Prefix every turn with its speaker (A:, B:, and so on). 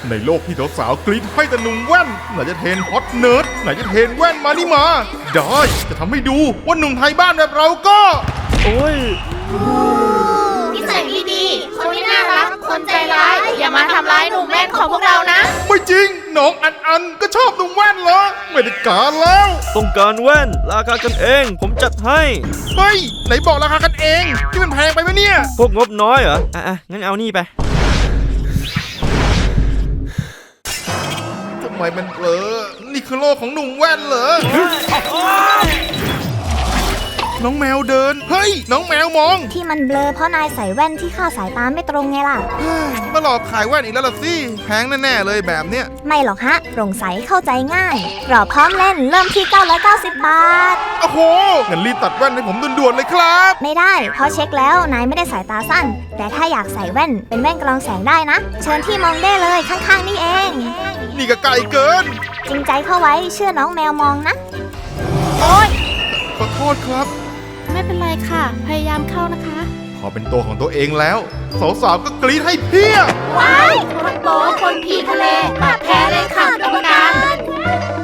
A: ในโลกที่สาวๆกรี๊ดให้แต่หนุ่มแว่นไหนจะเทรนฮอตเนิร์ดไหนจะเทรนแว่นมานี่มาได้จะทำให้ดูว่าหนุ่มไทยบ้านแบบเราก็
B: โอ้ย
C: นิสัยไม่ดีคนไม่น่ารักคนใจร้ายอย่ามาทำร้ายหนุ่มแว่นของพวกเรานะ
A: ไม่จริงน้องอันก็ชอบหนุ่มแว่นเหรอไม่ได้การแล้ว
B: ต้องการแว่นราคากันเองผมจัดให้
A: เฮ้ยไหนบอกราคากันเองที่มันแพงไปไหมเนี่ย
B: พวกงบน้อยเหรออ่ะงั้นเอานี่ไป
A: ทำไมมันเบลอนี่คือโลกของหนุ่มแว่นเหรอน้องแมวเดินเฮ้ยน้องแมวมอง
D: ที่มันเบลอเพราะนายใส่แว่นที่ค่าสายตาไม่ตรงไงล่ะ
A: มาหลอกขายแว่นอีกแล้วล่ะสิแพงแน่ๆเลยแบบเนี้ย
D: ไม่หรอกฮะโปร่งใสเข้าใจง่ายรอพร้อมเล่นเริ่มที่990 บาท
A: โอ้โหงั้นรีบตัดแว่นให้ผมด่วนๆเลยครับ
D: ไม่ได้เพราะเช็คแล้วนายไม่ได้สายตาสั้นแต่ถ้าอยากใส่แว่นเป็นแว่นกรองแสงได้นะเชิญที่มองได้เลยข้างๆนี่เอง
A: นี่ก็ไกลเกิน
D: จริงใจเข้าไว้เชื่อน้องแมวมองนะ
C: โอ๊ย
A: ขอโทษครับ
C: ไม่เป็นไรค่ะพยายามเข้านะคะ
A: พอเป็นตัวของตัวเองแล้วสาวๆก็กรี๊ดให้เพี้ย
C: ว้ายคนโป๊คนผีทะเลบาดแผลเลยค่ะกรรมการ